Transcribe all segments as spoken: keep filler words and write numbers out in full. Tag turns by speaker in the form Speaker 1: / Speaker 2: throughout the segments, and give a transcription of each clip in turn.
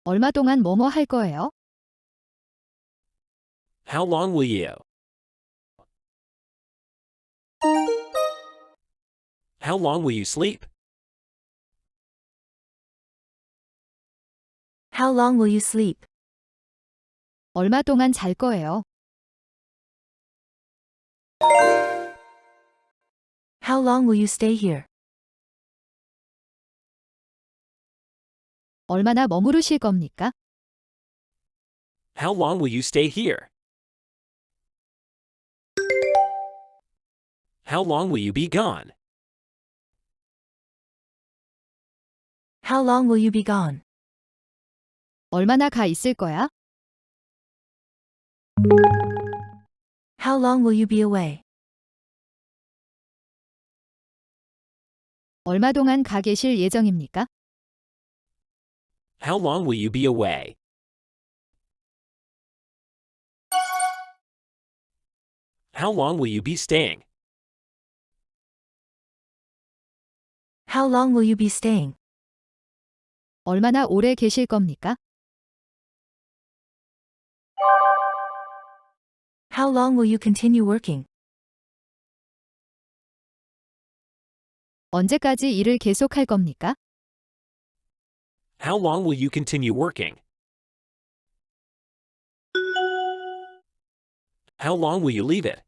Speaker 1: 얼마 동안 뭐뭐 할 거예요?
Speaker 2: How long will you? How long will you sleep?
Speaker 3: How long will you sleep?
Speaker 1: 얼마 동안 잘 거예요?
Speaker 3: How long will you stay here?
Speaker 1: 얼마나 머무르실 겁니까?
Speaker 2: How long will you stay here? How long will you be gone?
Speaker 3: How long will you be gone?
Speaker 1: 얼마나 가 있을 거야?
Speaker 3: How long will you be away?
Speaker 1: 얼마 동안 가 계실 예정입니까?
Speaker 2: How long will you be away? How long will you be staying?
Speaker 3: How long will you be staying?
Speaker 1: 얼마나 오래 계실 겁니까?
Speaker 3: How long will you continue working?
Speaker 1: 언제까지 일을 계속할 겁니까?
Speaker 2: How long will you continue working? How long will you leave it?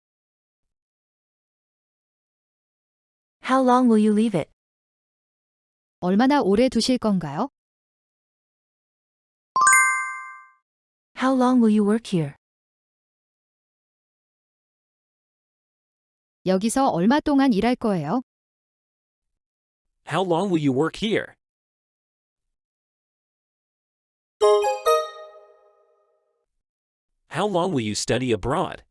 Speaker 3: How long will you leave it?
Speaker 1: 얼마나 오래 두실 건가요?
Speaker 3: How long will you work here?
Speaker 1: 여기서 얼마 동안 일할 거예요?
Speaker 2: How long will you work here? How long will you study abroad?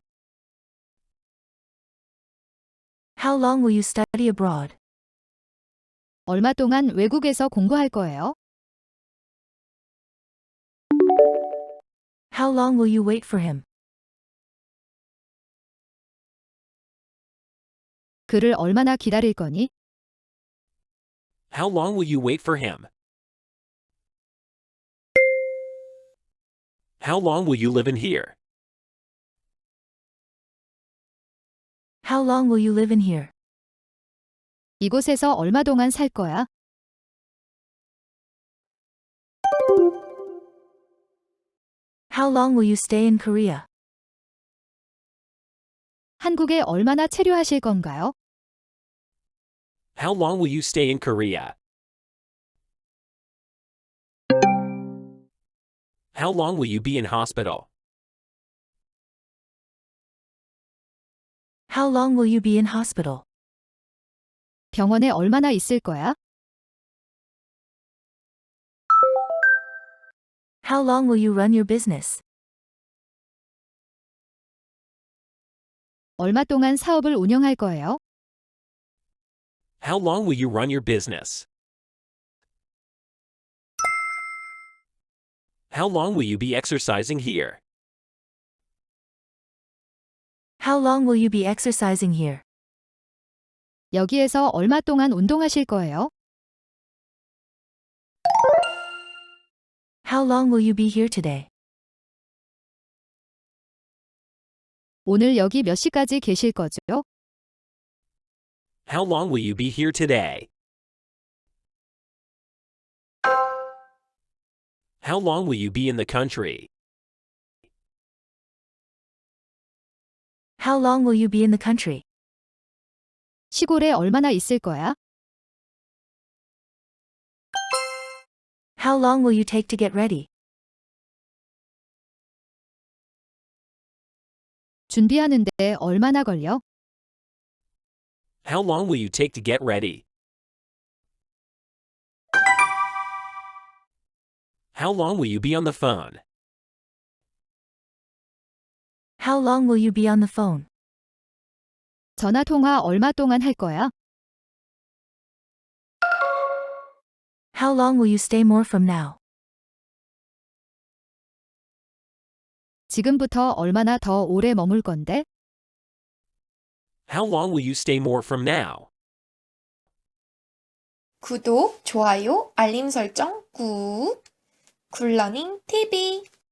Speaker 3: How long will you study abroad?
Speaker 1: 얼마 동안 외국에서 공부할 거예요?
Speaker 3: How long will you wait for him?
Speaker 1: 그를 얼마나 기다릴 거니?
Speaker 2: How long will you wait for him? How long will you live in here?
Speaker 3: How long will you live in here?
Speaker 1: 이곳에서 얼마 동안 살 거야?
Speaker 3: How long will you stay in Korea?
Speaker 1: 한국에 얼마나 체류하실 건가요?
Speaker 2: How long will you stay in Korea? How long will you be in hospital?
Speaker 3: How long will you be in hospital?
Speaker 1: 병원에 얼마나 있을 거야?
Speaker 3: How long will you run your business?
Speaker 1: 얼마 동안 사업을 운영할 거예요?
Speaker 2: How long will you run your business? How long will you be exercising here?
Speaker 3: How long will you be exercising here?
Speaker 1: 여기에서 얼마 동안 운동하실 거예요?
Speaker 3: How long will you be here today?
Speaker 1: 오늘 여기 몇 시까지 계실 거죠?
Speaker 2: How long will you be here today? How long will you be in the country?
Speaker 3: How long will you be in the country?
Speaker 1: 시골에 얼마나 있을 거야?
Speaker 3: How long will you take to get ready?
Speaker 1: 준비하는데 얼마나 걸려?
Speaker 2: How long will you take to get ready? How long will you be on the phone?
Speaker 3: How long will you be on the phone?
Speaker 1: 전화 통화 얼마 동안 할 거야?
Speaker 3: How long will you stay more from now?
Speaker 1: 지금부터 얼마나 더 오래 머물 건데?
Speaker 2: How long will you stay more from now?
Speaker 4: 구독, 좋아요, 알림 설정 꾹! 굴러닝 티비